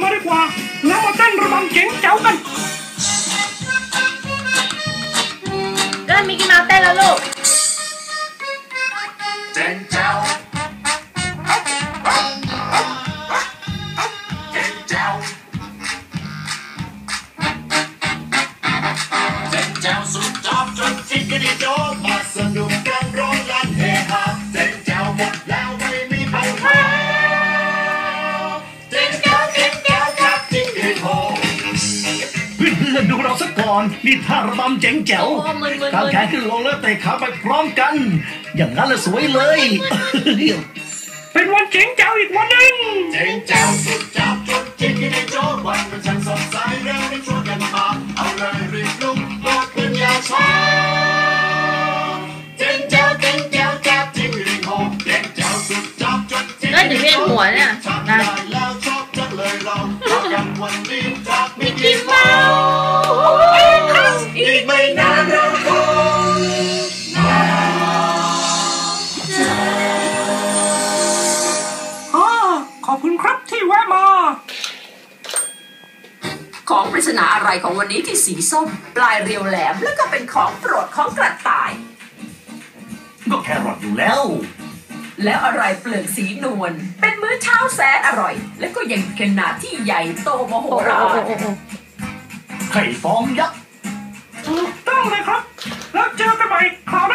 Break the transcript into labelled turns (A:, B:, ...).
A: มาดีกว่าแล้วมาเต้นระบำเจ๋งเจ๋วกัน
B: เริ่มมิกกี้เมาส์เต้นแล้วลูก
C: เจ๋งเจ๋วเจ๋งเจ๋วเจ๋งเจ๋วสุดจอบจนจิกกระดิโดมาสนุกกันร้องลั่นเฮฮาเจ๋งเจ๋วหมดแล้วไม่มีปัญหาเจ๋งเจ๋วเจ๋งเจ๋วครับจิกกระดิโด
A: เพื่อนๆดูเราสักก่อนนี่ท่าระบำเจ๋งแจ๋วกางแขนขึ้นลงแล้วเตะขาไปพร้อมกันอย่างนั้นละสวยเลยเป็นวันเจ๋งแจ๋วอีกวันหนึ่ง
C: เจ๋งแจ๋วสุดจับจนจิกกระดิโดวันมันช่างสดใสเร็วได้ชวนกันมาเอาเลยรีบลุกบอกขึ้นอย่าช้าเจ๋งแจ๋วเจ๋งแจ๋วครับจิกกระดิโดเจ๋งแจ๋วสุดจับจนจิกกระดิโด
B: เนี่ย
C: ได้แล้วชอบจังเลยเรากันวันนี้จากมิกกี้เมาส์อีกไม่นานเราคงมา
A: ขอบคุณครับที่แวะมา
D: ของปริศนาอะไรของวันนี้ที่สีส้มปลายเรียวแหลมแล้วก็เป็นของโปรดของกระต่าย
A: ก็แครอทอยู่แล้ว
D: แล้วอะไรเปลือกสีนวลเป็นมื้อเช้าแสนอร่อยและก็ยังขนาดที่ใหญ่โตมโหฬาร
A: ไข่ฟองยักษ์ถูกต้องเลยครับแล้วเจอกันใหม่คราวหน้า